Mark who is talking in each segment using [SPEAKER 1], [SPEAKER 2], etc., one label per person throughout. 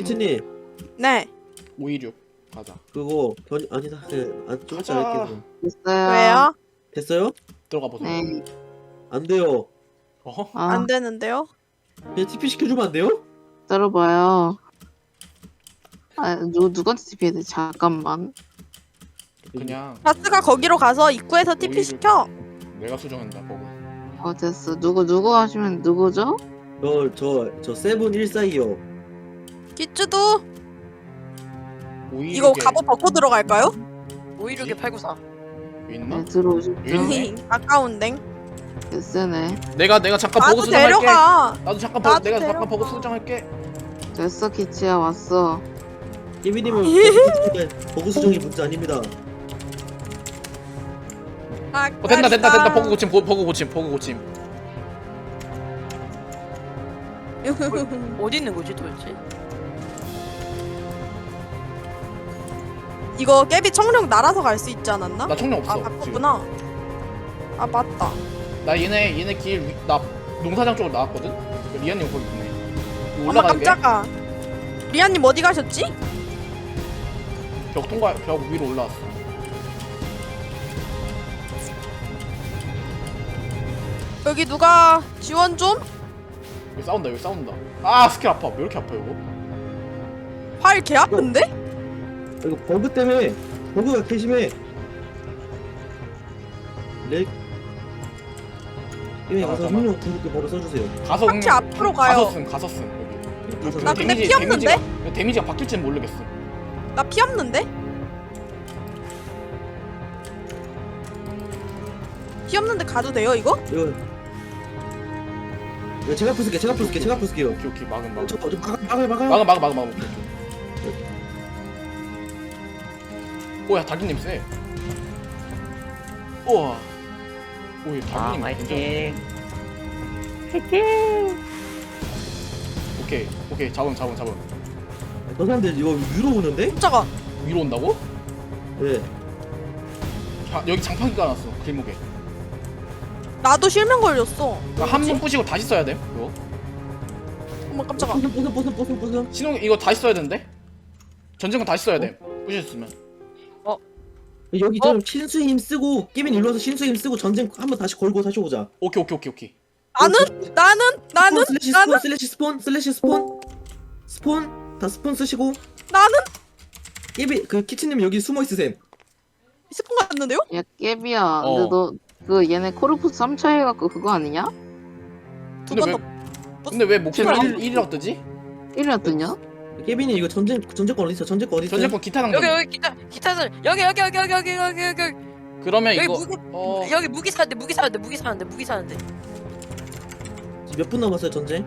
[SPEAKER 1] 키트님
[SPEAKER 2] 네.
[SPEAKER 3] 526 가자.
[SPEAKER 1] 그거 아니다. 좀 이따
[SPEAKER 3] 가자.
[SPEAKER 1] 할게요.
[SPEAKER 4] 됐어요.
[SPEAKER 2] 왜요?
[SPEAKER 1] 됐어요?
[SPEAKER 3] 들어가 보세요.
[SPEAKER 4] 네.
[SPEAKER 1] 안 돼요.
[SPEAKER 3] 어허.
[SPEAKER 4] 아,
[SPEAKER 2] 안 되는데요?
[SPEAKER 1] 그냥 TP 시켜주면 안 돼요?
[SPEAKER 4] 들어봐요. 아, 누구한테 TP해야 돼? 잠깐만.
[SPEAKER 3] 그냥
[SPEAKER 2] 바스가 거기로 가서 입구에서 TP
[SPEAKER 3] 오히려-
[SPEAKER 2] 시켜.
[SPEAKER 3] 내가 수정한다. 보고.
[SPEAKER 4] 됐어. 누구 하시면 누구죠?
[SPEAKER 1] 저 세븐 1425.
[SPEAKER 2] 기쭈도
[SPEAKER 3] 526에
[SPEAKER 2] 이거 갑옷 벗고 들어갈까요?
[SPEAKER 5] 516에 894.
[SPEAKER 3] 있나?
[SPEAKER 4] 네, 들어오십시오.
[SPEAKER 3] 있네.
[SPEAKER 2] 아까운댕.
[SPEAKER 4] 됐으네.
[SPEAKER 3] 내가 잠깐 보고
[SPEAKER 2] 나도
[SPEAKER 3] 수정할게.
[SPEAKER 2] 데려가.
[SPEAKER 3] 나도 잠깐
[SPEAKER 2] 나도
[SPEAKER 3] 내가
[SPEAKER 2] 데려가.
[SPEAKER 3] 잠깐 보고 수정할게.
[SPEAKER 4] 됐어, 키치야 왔어.
[SPEAKER 1] 깨비님은 버그 수정이 문제 아닙니다.
[SPEAKER 3] 된다. 버그 고침.
[SPEAKER 5] 어디 있는 거지 도대체?
[SPEAKER 2] 이거 깨비 청룡 날아서 갈 수 있지 않았나?
[SPEAKER 3] 나 청량 없어.
[SPEAKER 2] 아
[SPEAKER 3] 지금.
[SPEAKER 2] 바꿨구나. 아 맞다.
[SPEAKER 3] 나 얘네 나 농사장 쪽으로 나왔거든. 리안님 거기 있네. 이거
[SPEAKER 2] 어머
[SPEAKER 3] 올라가게.
[SPEAKER 2] 깜짝아. 리아님 어디 가셨지?
[SPEAKER 3] 벽 위로 올라왔어.
[SPEAKER 2] 여기 누가 지원 좀?
[SPEAKER 3] 여기 싸운다. 아 스킬 아파. 왜 이렇게 아파 이거?
[SPEAKER 2] 활 개 아픈데?
[SPEAKER 1] 이거 버그 때문에 버그가 개 심해. 깨비 가서
[SPEAKER 3] 잠깐만.
[SPEAKER 1] 흥룡 궁극기 바로 써주세요.
[SPEAKER 3] 가서
[SPEAKER 2] 확실히 앞으로 가요.
[SPEAKER 3] 가서 쓴 여기.
[SPEAKER 2] 나 근데 피 없는데?
[SPEAKER 3] 데미지가 바뀔지는 모르겠어.
[SPEAKER 2] 나 피 없는데? 피 없는데 가도 돼요 이거?
[SPEAKER 1] 이거 제가 부술게요.
[SPEAKER 3] 오케이 막음.
[SPEAKER 1] 저 막아요.
[SPEAKER 3] 막아. 오케이. 오야 닭님 세. 우와. 오야 닭님
[SPEAKER 6] 화이팅.
[SPEAKER 3] 오케이 잡음.
[SPEAKER 1] 저 사람들 이거 위로 오는데?
[SPEAKER 2] 깜짝아.
[SPEAKER 3] 위로 온다고?
[SPEAKER 1] 네.
[SPEAKER 3] 여기 장판기 깔아놨어 길목에.
[SPEAKER 2] 나도 실명 걸렸어.
[SPEAKER 3] 한 번 부시고 다시 써야 돼. 이거
[SPEAKER 2] 어머 깜짝아.
[SPEAKER 1] 보슨.
[SPEAKER 3] 신호 이거 다시 써야 되는데? 전쟁은 다시 써야 돼. 부셨으면.
[SPEAKER 1] 여기 좀 신수 힘 쓰고 깨빈 일로 와서 신수 힘 쓰고 전쟁 한번 다시 걸고 다시 오자.
[SPEAKER 3] 오케이.
[SPEAKER 2] 나는
[SPEAKER 1] 슬래시 스폰 다 스폰 쓰시고
[SPEAKER 2] 나는
[SPEAKER 1] 깨비 그 키친님 여기 숨어 있으셈.
[SPEAKER 2] 스폰 갔는데요?
[SPEAKER 4] 야, 깨비야.
[SPEAKER 3] 어.
[SPEAKER 4] 근데 너 얘네 코르푸스 3차 해갖고 그거 아니냐?
[SPEAKER 2] 두
[SPEAKER 3] 근데
[SPEAKER 2] 번 더.
[SPEAKER 3] 근데 왜 목표가
[SPEAKER 2] 제발.
[SPEAKER 3] 1이라고 뜨지?
[SPEAKER 4] 1위나 뜨냐?
[SPEAKER 1] 깨빈이 이거 전쟁권 어디 있어? 전쟁권 어디 있어?
[SPEAKER 3] 전쟁권 기타 당근.
[SPEAKER 5] 여기 기타들 여기
[SPEAKER 3] 그러면
[SPEAKER 5] 여기
[SPEAKER 3] 이거
[SPEAKER 5] 무기 여기 무기 사는데
[SPEAKER 1] 몇 분 남았어요 전쟁?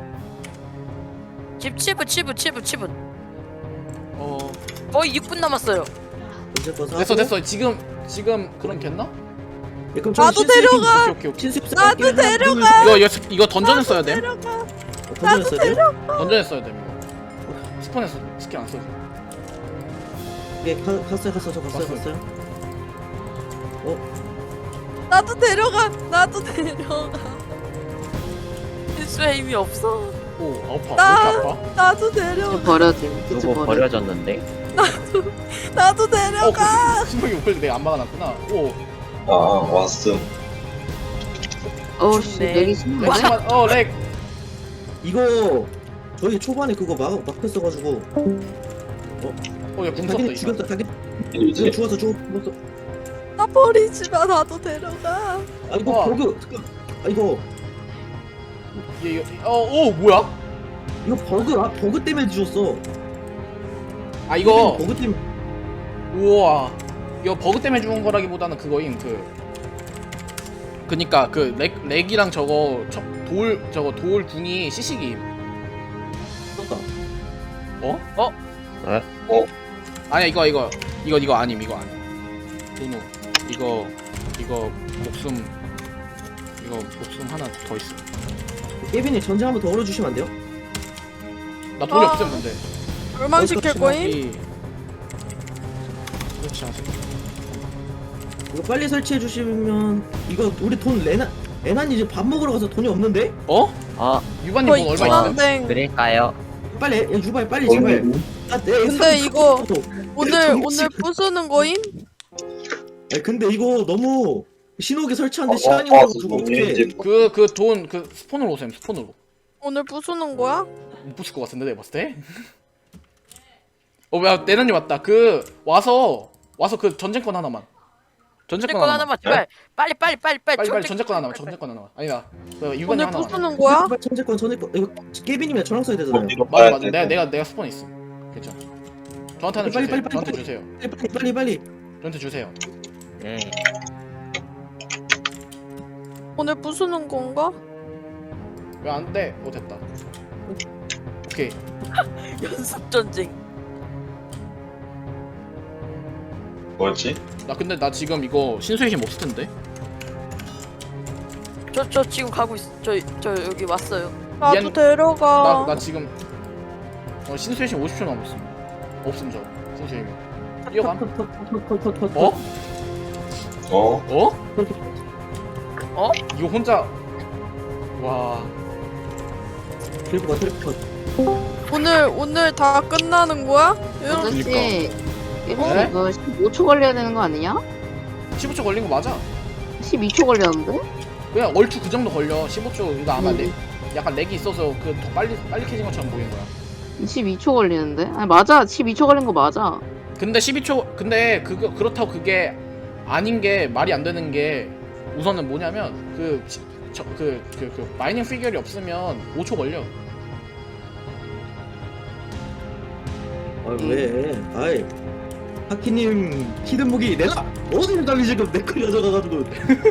[SPEAKER 5] 집 7분
[SPEAKER 3] 어
[SPEAKER 5] 거의 6분 남았어요.
[SPEAKER 1] 전쟁권 사고.
[SPEAKER 3] 됐어. 지금 그럼 됐나?
[SPEAKER 1] 예, 그럼
[SPEAKER 2] 나도 데려가.
[SPEAKER 3] 오케이.
[SPEAKER 1] 신수
[SPEAKER 2] 나도 데려가.
[SPEAKER 3] 이거 던전에 써야 돼.
[SPEAKER 2] 데려가.
[SPEAKER 1] 던졌어요?
[SPEAKER 3] 던전에 써야 돼. 이거. 스폰에서 스킬 안 써도.
[SPEAKER 1] 예, 갔어요. 저
[SPEAKER 3] 갔어요.
[SPEAKER 1] 갔어요.
[SPEAKER 2] 나도 데려가.
[SPEAKER 5] 실수의 힘이 없어.
[SPEAKER 3] 오 아파.
[SPEAKER 2] 나-
[SPEAKER 3] 왜 이렇게 아파?
[SPEAKER 2] 나도 데려가.
[SPEAKER 4] 버려짐. 키치
[SPEAKER 6] 그거
[SPEAKER 4] 버려.
[SPEAKER 6] 버려졌는데.
[SPEAKER 2] 나도 데려가.
[SPEAKER 3] 신경이 원래 내가 안 막아놨구나. 오.
[SPEAKER 7] 왔음.
[SPEAKER 4] 어우씨,
[SPEAKER 5] 좋네.
[SPEAKER 4] 내기 심한데?
[SPEAKER 3] 렉.
[SPEAKER 1] 이거 저희 초반에 그거 막혔어가지고
[SPEAKER 3] 어야 궁 썼다
[SPEAKER 1] 자기는
[SPEAKER 3] 이거.
[SPEAKER 1] 죽였다. 자기
[SPEAKER 7] 이제
[SPEAKER 1] 죽었어.
[SPEAKER 2] 나 버리지 마. 나도 데려가.
[SPEAKER 1] 아 이거
[SPEAKER 3] 와.
[SPEAKER 1] 버그 잠깐. 아 이거
[SPEAKER 3] 오 뭐야?
[SPEAKER 1] 이거 버그 때문에 뒤졌어.
[SPEAKER 3] 아 이거
[SPEAKER 1] 버그 때문에.
[SPEAKER 3] 우와 이거 버그 때문에 죽은 거라기보다는 그거임 그니까 그 렉이랑 돌 궁이 시식임.
[SPEAKER 1] 죽었다.
[SPEAKER 3] 아니야 이거 아님. 도노 이거 목숨 하나 더 있어.
[SPEAKER 1] 깨빈이 전쟁 한번 더 걸어주시면 안 돼요?
[SPEAKER 3] 나 돈이
[SPEAKER 2] 아.
[SPEAKER 3] 없음 근데.
[SPEAKER 2] 얼마시킬 거임?
[SPEAKER 3] 그렇지 않습.
[SPEAKER 1] 이거 빨리 설치해 주시면 이거 우리 돈 레난 이제 밥 먹으러 가서 돈이 없는데?
[SPEAKER 3] 어?
[SPEAKER 6] 어,
[SPEAKER 3] 유반님
[SPEAKER 2] 거의
[SPEAKER 3] 돈 얼마 있어요?
[SPEAKER 2] 중앙댕.
[SPEAKER 6] 그럴까요?
[SPEAKER 1] 빨리 야, 유발 빨리 제발.
[SPEAKER 2] 근데 이거 오늘 부수는 거임?
[SPEAKER 1] 근데 이거 너무 신호기 설치하는데
[SPEAKER 7] 어,
[SPEAKER 1] 시간이
[SPEAKER 7] 어,
[SPEAKER 1] 걸려가지고
[SPEAKER 7] 어,
[SPEAKER 1] 어떡해.
[SPEAKER 7] 이제
[SPEAKER 3] 그 돈 그 스폰으로 오셈 스폰으로.
[SPEAKER 2] 오늘 부수는 거야?
[SPEAKER 3] 못 부실 것 같은데 내가 봤을 때. 뭐야 내년이 왔다. 그 와서 그 전쟁권 하나만. 전쟁권
[SPEAKER 5] 건
[SPEAKER 3] 하나만.
[SPEAKER 5] 하나만 제발. 빨리.
[SPEAKER 3] 빨리 전쟁권 하나만. 전쟁권 하나만. 아니다. 유관이
[SPEAKER 2] 오늘
[SPEAKER 3] 하나만.
[SPEAKER 2] 부수는 거야?
[SPEAKER 1] 전제권 이거 깨비님이랑 저랑 써야 되잖아요.
[SPEAKER 7] 어디로
[SPEAKER 3] 맞아
[SPEAKER 7] 가야
[SPEAKER 3] 맞아.
[SPEAKER 7] 돼?
[SPEAKER 3] 내가 스폰 있어. 괜찮아. 저한테는
[SPEAKER 1] 빨리,
[SPEAKER 3] 주세요.
[SPEAKER 1] 빨리,
[SPEAKER 3] 저한테
[SPEAKER 1] 빨리.
[SPEAKER 3] 주세요.
[SPEAKER 1] 빨리.
[SPEAKER 3] 저한테 주세요.
[SPEAKER 2] 오늘 부수는 건가?
[SPEAKER 3] 왜 안 돼? 됐다. 오케이.
[SPEAKER 5] 연습 전쟁.
[SPEAKER 7] 뭐였지?
[SPEAKER 3] 나 근데 나 지금 이거 신수의 힘 없을 텐데.
[SPEAKER 5] 저 지금 가고 있어. 저 여기 왔어요.
[SPEAKER 2] 나도
[SPEAKER 3] 미안.
[SPEAKER 2] 데려가.
[SPEAKER 3] 나 지금 신수의 힘 50초 남았음. 없음 저 신수의 힘. 뛰어감. 어?
[SPEAKER 7] 어?
[SPEAKER 3] 어? 이거 혼자. 와.
[SPEAKER 1] 들고 가 들고 가.
[SPEAKER 2] 오늘 다 끝나는 거야? 이런
[SPEAKER 4] 아저씨
[SPEAKER 3] 네?
[SPEAKER 4] 이거 15초 걸려야 되는 거 아니냐?
[SPEAKER 3] 15초 걸린 거 맞아.
[SPEAKER 4] 12초 걸렸는데?
[SPEAKER 3] 그냥 얼추 그 정도 걸려. 15초. 이거 아마 약간 렉이 있어서 그 더 빨리 캐진 것처럼 보이는 거야.
[SPEAKER 4] 12초 걸리는데? 아니 맞아 12초 걸린 거 맞아.
[SPEAKER 3] 근데 12초 근데 그렇다고 그게 아닌 게 말이 안 되는 게 우선은 뭐냐면 그 마이닝 피규어이 없으면 5초 걸려.
[SPEAKER 1] 왜? 아이 하키님 히든 무기 내가 어디를 달리 지금 내거 가져가가지고.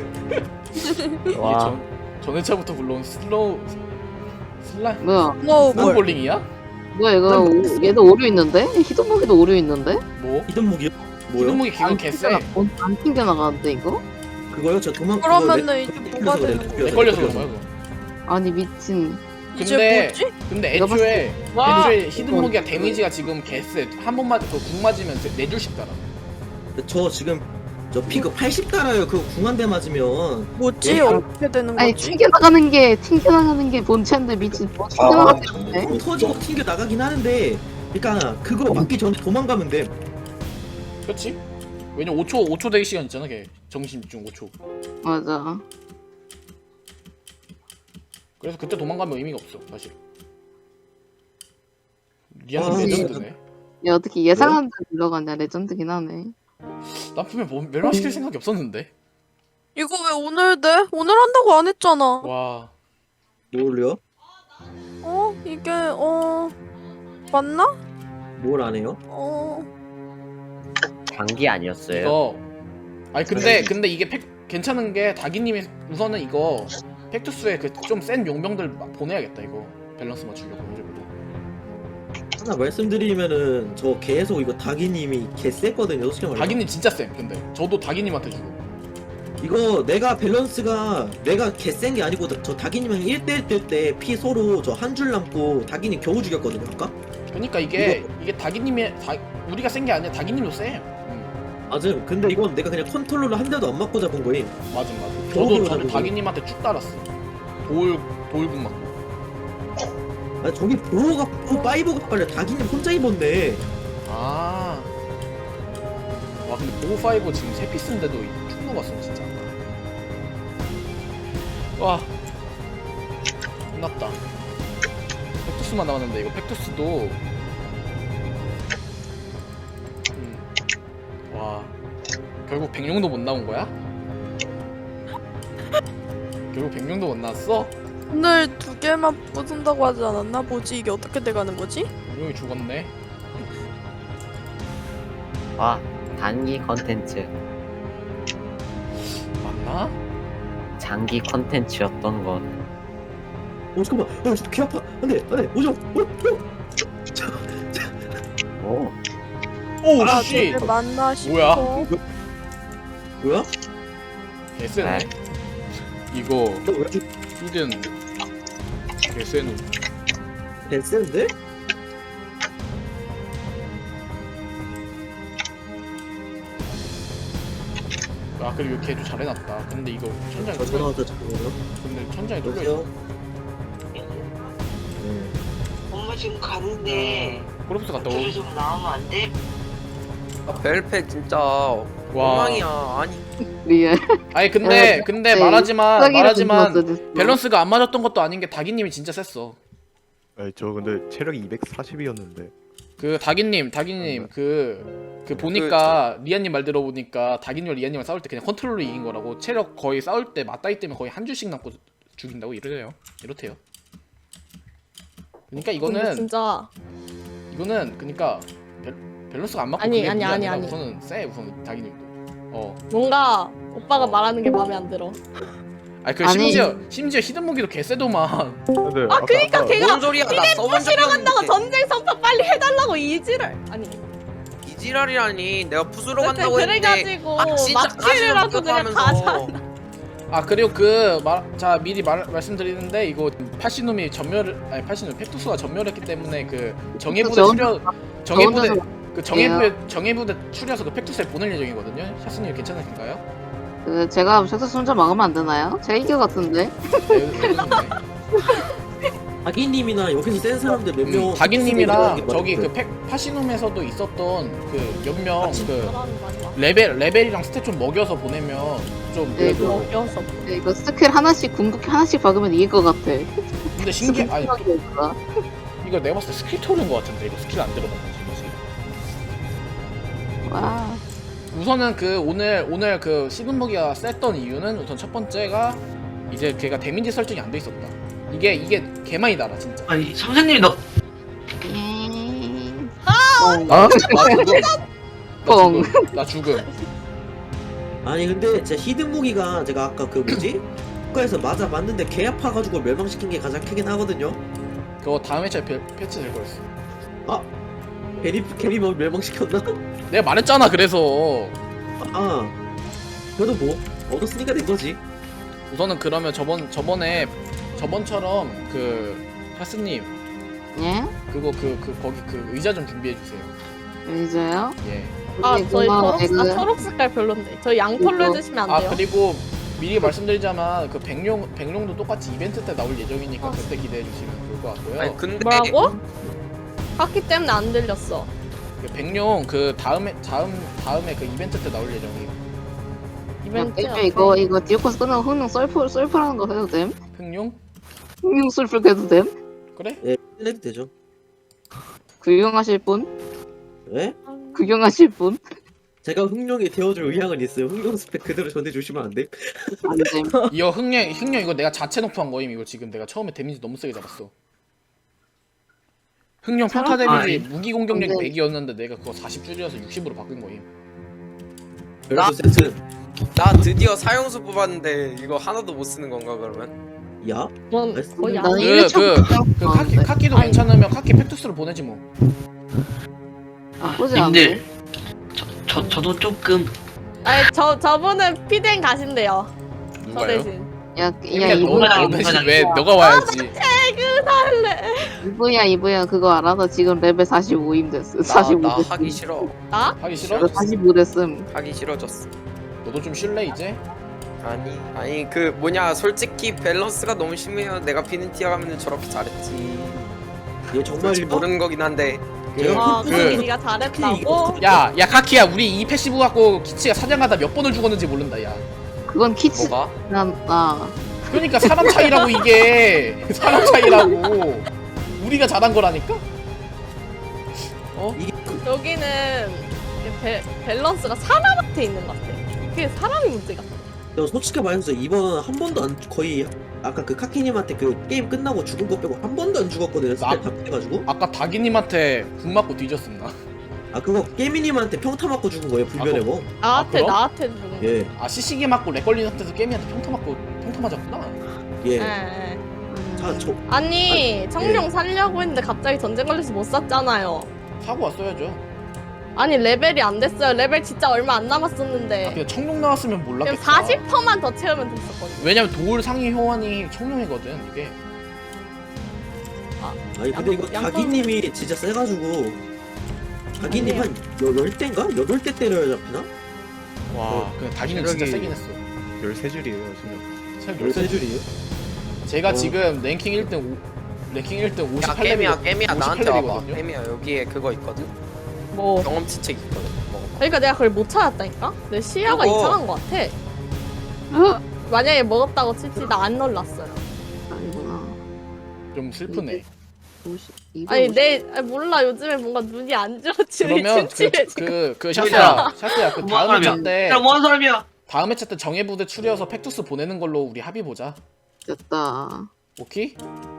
[SPEAKER 3] 이게 전 회차부터 물론
[SPEAKER 4] 뭐야
[SPEAKER 2] 스노우볼.
[SPEAKER 3] 스노볼링이야?
[SPEAKER 4] 뭐야 이거 얘도 오류 있는데? 히든무기도 오류 있는데?
[SPEAKER 3] 뭐?
[SPEAKER 1] 히든 무기요? 뭐요?
[SPEAKER 3] 히든무기 기분 개쎄.
[SPEAKER 4] 안 튕겨나가는데 이거?
[SPEAKER 1] 그거요? 저 도망.
[SPEAKER 2] 그러면은
[SPEAKER 1] 그거
[SPEAKER 2] 이제 뭐가 되는
[SPEAKER 1] 내
[SPEAKER 2] 거야?
[SPEAKER 3] 렉 걸려서 그런 거야 그거.
[SPEAKER 4] 아니 미친.
[SPEAKER 2] 이제
[SPEAKER 3] 근데
[SPEAKER 2] 뭐지?
[SPEAKER 3] 근데
[SPEAKER 4] 내가 봤을
[SPEAKER 3] 애초에 히든무기가 데미지가 지금 개쎄. 한 번만 그궁 맞으면 4줄씩 달아.
[SPEAKER 1] 저 지금 저 피그 80 달아요. 그거 궁한대 맞으면.
[SPEAKER 2] 뭐지?
[SPEAKER 1] 예.
[SPEAKER 2] 어떻게 되는
[SPEAKER 4] 아니
[SPEAKER 2] 거지?
[SPEAKER 4] 튕겨나가는 게 본체인데 미친 뭐 튕겨나가는
[SPEAKER 7] 정말.
[SPEAKER 1] 콩 터지고 튕겨 나가긴 하는데. 그러니까 그거 맞기 전에 도망가면 돼.
[SPEAKER 3] 그렇지? 왜냐 5초 대기 시간 있잖아 걔. 정신 집중 5초.
[SPEAKER 4] 맞아.
[SPEAKER 3] 그래서 그때 도망가면 의미가 없어 사실.
[SPEAKER 1] 아,
[SPEAKER 3] 리안은 레전드네.
[SPEAKER 4] 야 어떻게 예상한 대로 들어가냐 레전드긴 하네.
[SPEAKER 3] 난 분명 멸망시킬 생각이 없었는데.
[SPEAKER 2] 이거 왜 오늘 돼? 오늘 한다고 안 했잖아.
[SPEAKER 3] 와.
[SPEAKER 1] 뭘요?
[SPEAKER 2] 이게 맞나?
[SPEAKER 1] 뭘 안 해요?
[SPEAKER 6] 장기 아니었어요?
[SPEAKER 3] 이거 아니 근데 이게 괜찮은 게 다기님이 우선은 이거 팩투스에 그 좀 센 용병들 보내야겠다 이거 밸런스 맞추려고 일부러.
[SPEAKER 1] 하나 말씀드리면은 저 계속 이거 다기님이 개 셌거든요. 솔직히 말해.
[SPEAKER 3] 다기님 진짜 쌤 근데 저도 다기님한테 주고.
[SPEAKER 1] 이거 내가 밸런스가 내가 개 센 게 아니고 저 다기님이랑 1대1 뜰 때 피 서로 저 한 줄 남고 다기님 겨우 죽였거든요 아까?
[SPEAKER 3] 그러니까 이게 다기님이 우리가 센 게 아니라 다기님도 세.
[SPEAKER 1] 맞음. 근데 이건 내가 그냥 컨트롤러 한 대도 안 맞고 잡은 거임.
[SPEAKER 3] 맞아.
[SPEAKER 1] 겨우
[SPEAKER 3] 저도
[SPEAKER 1] 잡은
[SPEAKER 3] 다기님한테 쭉 달았어. 돌궁 맞고.
[SPEAKER 1] 아 저기 파이버가 빨려. 다기님 혼자 입었네.
[SPEAKER 3] 아. 와 근데 보호5 지금 3피스인데도 충분 봤어 진짜. 와. 끝났다. 팩투스만 남았는데 이거 팩투스도 와. 결국 백룡도 못 나온 거야? 결국 백룡도 못 나왔어?
[SPEAKER 2] 오늘 2개만 부순다고 하지 않았나? 뭐지? 이게 어떻게 돼가는 거지?
[SPEAKER 3] 백룡이 죽었네.
[SPEAKER 6] 와, 단기 컨텐츠,
[SPEAKER 3] 맞나?
[SPEAKER 6] 장기 컨텐츠였던 것.
[SPEAKER 1] 잠깐만. 귀 아파. 안돼 오죠.
[SPEAKER 6] 오,
[SPEAKER 3] 오
[SPEAKER 2] 아,
[SPEAKER 3] 씨!
[SPEAKER 2] 되게 맞나 싶어.
[SPEAKER 3] 뭐야?
[SPEAKER 1] 뭐야?
[SPEAKER 3] 개쎄네.
[SPEAKER 6] 네.
[SPEAKER 3] 이거
[SPEAKER 1] 너 왜 이렇게
[SPEAKER 3] 히든 개쎄누.
[SPEAKER 1] 개 센데?
[SPEAKER 3] 아 그리고 걔도 잘해놨다. 근데 이거 천장이
[SPEAKER 1] 저
[SPEAKER 3] 뚫려.
[SPEAKER 1] 전화왔다 잠깐만요.
[SPEAKER 3] 근데 천장이 뚫려.
[SPEAKER 1] 여보세요?
[SPEAKER 8] 지금 가는데
[SPEAKER 3] 프로포스 갔다
[SPEAKER 8] 저를
[SPEAKER 3] 오.
[SPEAKER 8] 좀 나오면 안 돼?
[SPEAKER 9] 벨팩 진짜
[SPEAKER 3] 와.
[SPEAKER 9] 엉망이야. 아니
[SPEAKER 4] 리얼.
[SPEAKER 3] 아니 근데
[SPEAKER 4] 네.
[SPEAKER 3] 말하지만 밸런스가 안 맞았던 것도 아닌 게 다기님이 진짜 셌어.
[SPEAKER 10] 아니 저 근데 체력이 240이었는데
[SPEAKER 3] 그 다기님 그 보니까 리안님 말 들어보니까 다기님과 리안님을 싸울 때 그냥 컨트롤로 이긴 거라고. 체력 거의 싸울 때 맞다이 때문에 거의 한 줄씩 남고 죽인다고 이렇대요. 그러니까
[SPEAKER 2] 근데
[SPEAKER 3] 이거는
[SPEAKER 2] 진짜
[SPEAKER 3] 그러니까 밸런스가 안 맞고
[SPEAKER 2] 아니,
[SPEAKER 3] 그게
[SPEAKER 2] 아니,
[SPEAKER 3] 문제가
[SPEAKER 2] 아니,
[SPEAKER 3] 아니라
[SPEAKER 2] 아니.
[SPEAKER 3] 우선은 쎄 우선 다기님도.
[SPEAKER 2] 뭔가 오빠가 말하는 게 마음에 안 들어.
[SPEAKER 3] 아니 그
[SPEAKER 4] 아니.
[SPEAKER 3] 심지어 히든무기도 개쎄도만.
[SPEAKER 10] 근데
[SPEAKER 2] 그니까 걔가
[SPEAKER 9] 뭔 소리야? 나 써본 적이
[SPEAKER 2] 간다고
[SPEAKER 9] 없는데.
[SPEAKER 2] 전쟁 선포 빨리 해달라고 이지를 아니
[SPEAKER 9] 이지랄이라니. 내가 부수러 간다고 했는데.
[SPEAKER 2] 그래가지고
[SPEAKER 9] 아 진짜
[SPEAKER 2] 막지르라고 그냥 가자.
[SPEAKER 3] 아 그리고 자 미리 말씀드리는데 이거 파시눔이 파시눔 팩투스가 전멸했기 때문에 그 정예부대 정예부대 추려서 그 팩투스에 보낼 예정이거든요. 샤스님 괜찮으신가요?
[SPEAKER 4] 제가 셔츠 손자 막으면 안 되나요? 제가 이겨 같은데.
[SPEAKER 1] 다기님이나 여기서 센 사람들 몇 명.
[SPEAKER 3] 다기님이랑 저기 그 파시눔에서도 있었던 그 몇 명 그 레벨이랑 스탯 좀 먹여서 보내면 좀
[SPEAKER 4] 네,
[SPEAKER 3] 그래도.
[SPEAKER 2] 먹여서
[SPEAKER 4] 네, 이거 스킬 하나씩 궁극기 하나씩 박으면 이길 것 같아.
[SPEAKER 3] 근데 아니
[SPEAKER 4] 스킬이니까.
[SPEAKER 3] 이거 내가 봤을 때 스킬 토른 것 같은데 이거 스킬 안 들어간 거지.
[SPEAKER 4] 와.
[SPEAKER 3] 우선은 오늘 그 시그머기가 셌던 이유는 우선 첫 번째가 이제 걔가 데미지 설정이 안 돼 있었다. 이게 개많이 달아 진짜.
[SPEAKER 8] 아니 선생님 너
[SPEAKER 3] 나 죽음.
[SPEAKER 1] 아니 근데 진짜 히든 무기가 제가 아까 그 뭐지? 국가에서 맞아 맞는데 개 아파가지고 멸망시킨 게 가장 크긴 하거든요.
[SPEAKER 3] 그거 다음 회차에 패치 될 거였어.
[SPEAKER 1] 개리 멸망시켰나?
[SPEAKER 3] 내가 말했잖아. 그래서
[SPEAKER 1] 그래도 뭐 얻었으니까 된 거지.
[SPEAKER 3] 우선은 그러면 저번처럼 그 하스님
[SPEAKER 4] 예?
[SPEAKER 3] 그거 거기 그 의자 좀 준비해 주세요.
[SPEAKER 4] 이제요?
[SPEAKER 3] 예.
[SPEAKER 2] 저희
[SPEAKER 4] 고마워,
[SPEAKER 2] 초록 색깔 별론데 저희 양털로 해주시면 안 돼요?
[SPEAKER 3] 그리고 미리 말씀드리자만 그 백룡도 똑같이 이벤트 때 나올 예정이니까 그때 기대해 주시면 좋을 것 같고요.
[SPEAKER 9] 아니 근데
[SPEAKER 2] 뭐라고? 카키 때문에 안 들렸어.
[SPEAKER 3] 그 백룡 그 다음에 그 이벤트 때 나올 예정이에요.
[SPEAKER 2] 이벤트
[SPEAKER 4] 이거 디오코스 끝나고 흥룡 썰풀하는 거 해도 됨?
[SPEAKER 3] 흑룡?
[SPEAKER 4] 흥룡 썰풀 해도 됨?
[SPEAKER 3] 그래?
[SPEAKER 1] 예, 해도 되죠.
[SPEAKER 4] 구경하실 분?
[SPEAKER 1] 예?
[SPEAKER 4] 구경하실 분?
[SPEAKER 1] 제가 흥룡이 되어줄 의향은 있어요. 흥룡 스펙 그대로 전해주시면 안 돼?
[SPEAKER 4] 안 됨.
[SPEAKER 3] 이거 흑룡 이거 내가 자체 너프한 거임. 이거 지금 내가 처음에 데미지 너무 세게 잡았어. 흑룡 평타 데미지 무기 공격력이 100이었는데 내가 그거 40 줄여서 60으로 바꾼 거임.
[SPEAKER 1] 별도 세트.
[SPEAKER 9] 나 드디어 사용수 뽑았는데 이거 하나도 못 쓰는 건가 그러면?
[SPEAKER 1] 야?
[SPEAKER 2] 뭔 거의
[SPEAKER 4] 나는
[SPEAKER 2] 안
[SPEAKER 4] 일 차
[SPEAKER 3] 그 카키도
[SPEAKER 2] 아니.
[SPEAKER 3] 괜찮으면 카키 팩투스로 보내지 뭐.
[SPEAKER 4] 나쁘지 않네.
[SPEAKER 8] 님들 저도 조금
[SPEAKER 2] 아니 저분은 피덴 가신대요. 저
[SPEAKER 3] 누가요?
[SPEAKER 2] 대신.
[SPEAKER 4] 야
[SPEAKER 3] 그러니까
[SPEAKER 4] 이거야
[SPEAKER 3] 너 대신 왜 너가 와야지.
[SPEAKER 2] 퇴근할래.
[SPEAKER 4] 이브야 그거 알아서 지금 레벨 45임 됐어. 45
[SPEAKER 9] 나
[SPEAKER 4] 됐음.
[SPEAKER 9] 하기 싫어.
[SPEAKER 3] 하기 싫어?
[SPEAKER 4] 45 됐음.
[SPEAKER 9] 하기 싫어졌어.
[SPEAKER 3] 너도 좀 쉴래 이제?
[SPEAKER 9] 아니 그 뭐냐 솔직히 밸런스가 너무 심해요. 내가 피는티아 가면 저렇게 잘했지.
[SPEAKER 1] 얘 정말
[SPEAKER 9] 솔직히 모르는 거긴 한데.
[SPEAKER 2] 와
[SPEAKER 3] 그-
[SPEAKER 2] 무슨 네가 잘했다고?
[SPEAKER 3] 야 카키야 우리 이 패시브 갖고 키치가 사냥하다 몇 번을 죽었는지 모른다 야.
[SPEAKER 4] 그건 키치
[SPEAKER 9] 뭐가?
[SPEAKER 4] 난다.
[SPEAKER 3] 그러니까 사람 차이라고 이게 사람 차이라고. 우리가 잘한 거라니까?
[SPEAKER 1] 이게
[SPEAKER 2] 여기는 밸런스가 사람한테 있는 것 같아. 그게 사람이 문제가.
[SPEAKER 1] 저 솔직히 말해서 이번 한 번도 거의 아까 그 카키님한테 그 게임 끝나고 죽은 거 빼고 한 번도 안 죽었거든요. 스펙 다 빼가지고.
[SPEAKER 3] 아까 다기님한테 궁 맞고 뒤졌음 나.
[SPEAKER 1] 그거 깨미님한테 평타 맞고 죽은 거예요. 불변의 뭐.
[SPEAKER 2] 나한테
[SPEAKER 3] 그럼?
[SPEAKER 2] 나한테 누군.
[SPEAKER 1] 예.
[SPEAKER 3] CC기 맞고 렉 걸린 상태에서 게임한테 평타 맞았구나.
[SPEAKER 1] 예.
[SPEAKER 2] 예.
[SPEAKER 1] 저
[SPEAKER 2] 아니 청룡 살려고 했는데 갑자기 전쟁 걸려서 못 샀잖아요.
[SPEAKER 3] 사고 왔어야죠.
[SPEAKER 2] 아니 레벨이 안 됐어요. 레벨 진짜 얼마 안 남았었는데.
[SPEAKER 3] 그냥 청룡 나왔으면
[SPEAKER 2] 지금
[SPEAKER 3] 몰랐겠다.
[SPEAKER 2] 40%만 더 채우면 됐었거든.
[SPEAKER 3] 왜냐면 도울 상위 효원이 청룡이거든 이게.
[SPEAKER 1] 아니 근데 이거 다기님이 진짜 세가지고 다기님 한 10대인가? 8대 때려야 잡히나?
[SPEAKER 3] 와, 그 다기는 진짜
[SPEAKER 10] 체력이-
[SPEAKER 3] 세긴 했어.
[SPEAKER 10] 13줄이에요 지금.
[SPEAKER 3] 참
[SPEAKER 1] 13줄이에요?
[SPEAKER 3] 제가 지금 랭킹 1등 랭킹 1등
[SPEAKER 9] 야
[SPEAKER 3] 58레벨.
[SPEAKER 9] 깨미야 나한테 와봐.
[SPEAKER 3] 58레벨이거든요.
[SPEAKER 9] 깨미야 여기에 그거 있거든.
[SPEAKER 2] 뭐
[SPEAKER 9] 경험치 책 있거든. 먹어봐.
[SPEAKER 2] 그러니까 내가 그걸 못 찾았다니까? 내 시야가
[SPEAKER 9] 그거-
[SPEAKER 2] 이상한 것 같아. 만약에 먹었다고 칠지 나 안 놀랐어요.
[SPEAKER 4] 아니구나.
[SPEAKER 3] 좀 슬프네.
[SPEAKER 4] 250.
[SPEAKER 2] 아니 몰라 요즘에 뭔가 눈이 안 좋지.
[SPEAKER 3] 그러면
[SPEAKER 2] 침침해.
[SPEAKER 3] 그 샤스야 그
[SPEAKER 8] 뭐
[SPEAKER 3] 다음 회차 때
[SPEAKER 8] 야, 뭐하는 사람이야?
[SPEAKER 3] 다음 회차 때 정예부대 추려서 팩투스 보내는 걸로 우리 합의 보자.
[SPEAKER 4] 됐다.
[SPEAKER 3] 오케이?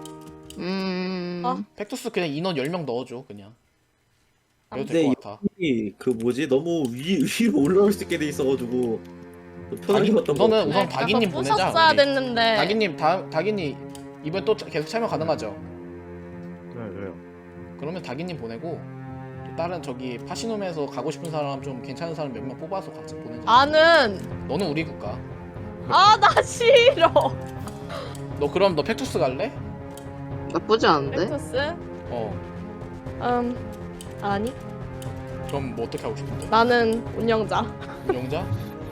[SPEAKER 2] 아.
[SPEAKER 3] 팩투스 그냥 인원 10명 넣어줘 그냥. 그래도
[SPEAKER 1] 근데
[SPEAKER 3] 될 것 같아.
[SPEAKER 1] 그 뭐지 너무 위로 올라올 수 있게 돼 있어가지고 좀 편하게 봤던 거.
[SPEAKER 3] 우선은 우선 다기님 보내자.
[SPEAKER 2] 부셨어야
[SPEAKER 3] 우리.
[SPEAKER 2] 됐는데.
[SPEAKER 3] 다기님 다기님 이번 또 계속 참여 가능하죠?
[SPEAKER 10] 네, 왜요?
[SPEAKER 3] 그러면 다기님 보내고 또 다른 저기 파시놈에서 가고 싶은 사람 좀 괜찮은 사람 몇 명 뽑아서 같이 보내자.
[SPEAKER 2] 나는
[SPEAKER 3] 너는 우리 국가.
[SPEAKER 2] 나 싫어.
[SPEAKER 3] 너 그럼 너 팩투스 갈래?
[SPEAKER 4] 나쁘지 않은데?
[SPEAKER 2] 팩투스?
[SPEAKER 3] 어.
[SPEAKER 2] 아니.
[SPEAKER 3] 그럼 뭐 어떻게 하고 싶은데?
[SPEAKER 2] 나는 운영자.
[SPEAKER 3] 운영자?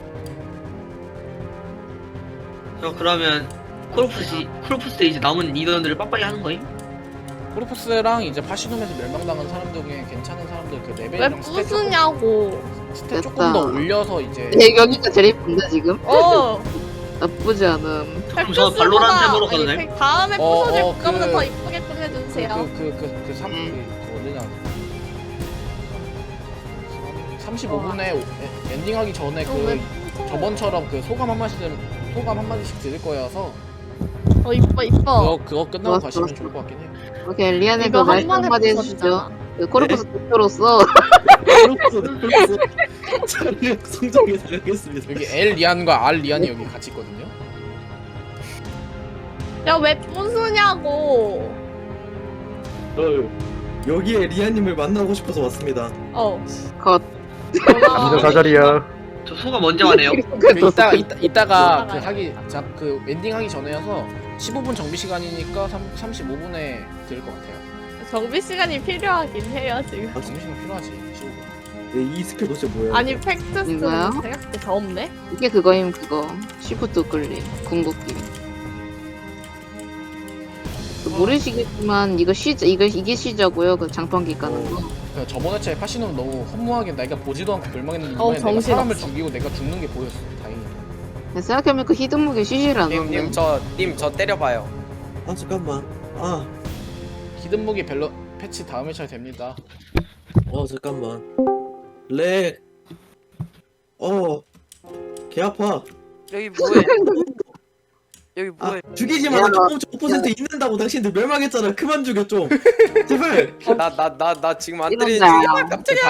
[SPEAKER 8] 그러면 크로프스 이제 남은 인원들을 빡빡이 하는 거임?
[SPEAKER 3] 코르푸스랑 이제 파시놈에서 멸망당한 사람들 중에 괜찮은 사람들 그
[SPEAKER 2] 왜
[SPEAKER 3] 레벨이랑 스탯
[SPEAKER 2] 부수냐고.
[SPEAKER 3] 조금
[SPEAKER 4] 됐다.
[SPEAKER 3] 더 올려서 이제
[SPEAKER 4] 여기가 제일 이쁜데 지금? 나쁘지 않음.
[SPEAKER 8] 그럼 저 발로란트 해보러 가도 돼?
[SPEAKER 2] 다음에 부서질
[SPEAKER 3] 어,
[SPEAKER 2] 것보다
[SPEAKER 3] 그-
[SPEAKER 2] 더 이쁘게 꾸며주세요.
[SPEAKER 3] 그 어디냐 35분에 엔딩하기 전에 그 저번처럼 그 소감 한마디씩 드릴 거여서
[SPEAKER 2] 이뻐.
[SPEAKER 3] 그거 끝나고
[SPEAKER 4] 좋았어,
[SPEAKER 3] 가시면
[SPEAKER 4] 좋았어.
[SPEAKER 3] 좋을 것 같긴 해요.
[SPEAKER 4] 오케이, 리안의
[SPEAKER 2] 이거
[SPEAKER 4] 그 말씀
[SPEAKER 2] 한 번에
[SPEAKER 4] 한마디
[SPEAKER 2] 부서지잖아.
[SPEAKER 4] 해주시죠. 그 코르푸스 대표로서
[SPEAKER 1] 그렇소. 저는 성적에 나가겠습니다.
[SPEAKER 3] 여기 L 리안과 R 리안이 여기 같이 있거든요.
[SPEAKER 2] 야 왜 부수냐고.
[SPEAKER 1] 여기에 리아님을 만나고 싶어서 왔습니다.
[SPEAKER 4] 컷.
[SPEAKER 10] 감사 사자리야.
[SPEAKER 8] 저 소감 언제 와네요?
[SPEAKER 3] 이따가 그 엔딩 하기 전에여서 15분 정비 시간이니까 35분에 드릴 것 같아요.
[SPEAKER 2] 정비 시간이 필요하긴 해요 지금.
[SPEAKER 3] 정비 시간 필요하지. 15분.
[SPEAKER 1] 네, 이 스킬 도대체 뭐야?
[SPEAKER 2] 아니 팩트스는
[SPEAKER 4] 이거요?
[SPEAKER 2] 생각보다 더 없네.
[SPEAKER 4] 이게 그거임 그거. 시프트 끌림. 궁극기. 모르시겠지만 이게 시자고요. 그 장판기 까는 거.
[SPEAKER 3] 그 저번 회차에 파시는 너무 허무하게 내가 보지도 않고 멸망했는데 이번에 내가
[SPEAKER 2] 정신없어.
[SPEAKER 3] 사람을 죽이고 내가 죽는 게 보였어. 다행히.
[SPEAKER 4] 생각해보면 그 히든무게 시시를 안 하네.
[SPEAKER 9] 님 저 때려봐요.
[SPEAKER 1] 아 잠깐만.
[SPEAKER 3] 히든 무기 벨러 패치 다음 회차에 됩니다.
[SPEAKER 1] 잠깐만. 렉. 개 아파.
[SPEAKER 5] 여기 뭐해? 여기 뭐해?
[SPEAKER 1] 죽이지 마. 5% 있는다고 당신들 멸망했잖아. 그만 죽여 좀. 제발.
[SPEAKER 9] 나 지금 안 때리는
[SPEAKER 4] 이런다.
[SPEAKER 9] 중이야. 깜짝이야.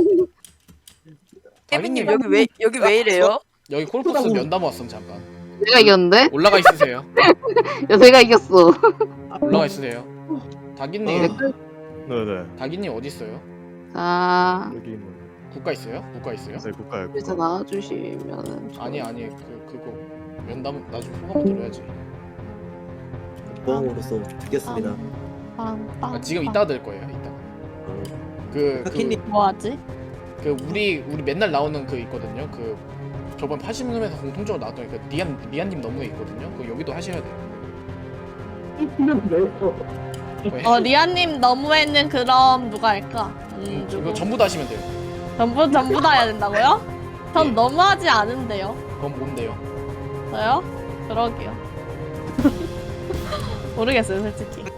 [SPEAKER 5] 깨비님 여기 왜 이래요?
[SPEAKER 3] 여기 콜포스 면담 왔음 잠깐.
[SPEAKER 4] 내가 이겼는데?
[SPEAKER 3] 올라가 있으세요.
[SPEAKER 4] 야, 내가 이겼어.
[SPEAKER 3] 올라가 있으세요. 다기님,
[SPEAKER 10] 네네.
[SPEAKER 3] 다기님 어디 있어요?
[SPEAKER 4] 자,
[SPEAKER 10] 여기 뭐
[SPEAKER 3] 국가 있어요? 국가 있어요?
[SPEAKER 10] 네, 국가요.
[SPEAKER 4] 여기서 나와주시면은.
[SPEAKER 3] 아니 그거 면담 나중에 소감 들어야지.
[SPEAKER 1] 보험으로서 듣겠습니다.
[SPEAKER 3] 아, 지금 이따 들 거예요. 이따. 그
[SPEAKER 1] 하키님.
[SPEAKER 2] 뭐하지?
[SPEAKER 3] 우리 맨날 나오는 그 있거든요. 그 저번 80년에서 공통적으로 나왔던 그 리안님 너무에 있거든요. 그 여기도 하셔야 돼요. 왜?
[SPEAKER 2] 리아님 너무했는 그럼 누가 할까?
[SPEAKER 3] 이거 전부 다 하시면 돼요.
[SPEAKER 2] 전부 다 해야 된다고요? 전
[SPEAKER 3] 예.
[SPEAKER 2] 너무하지 않은데요.
[SPEAKER 3] 그건 뭔데요?
[SPEAKER 2] 저요? 그러게요. 모르겠어요 솔직히.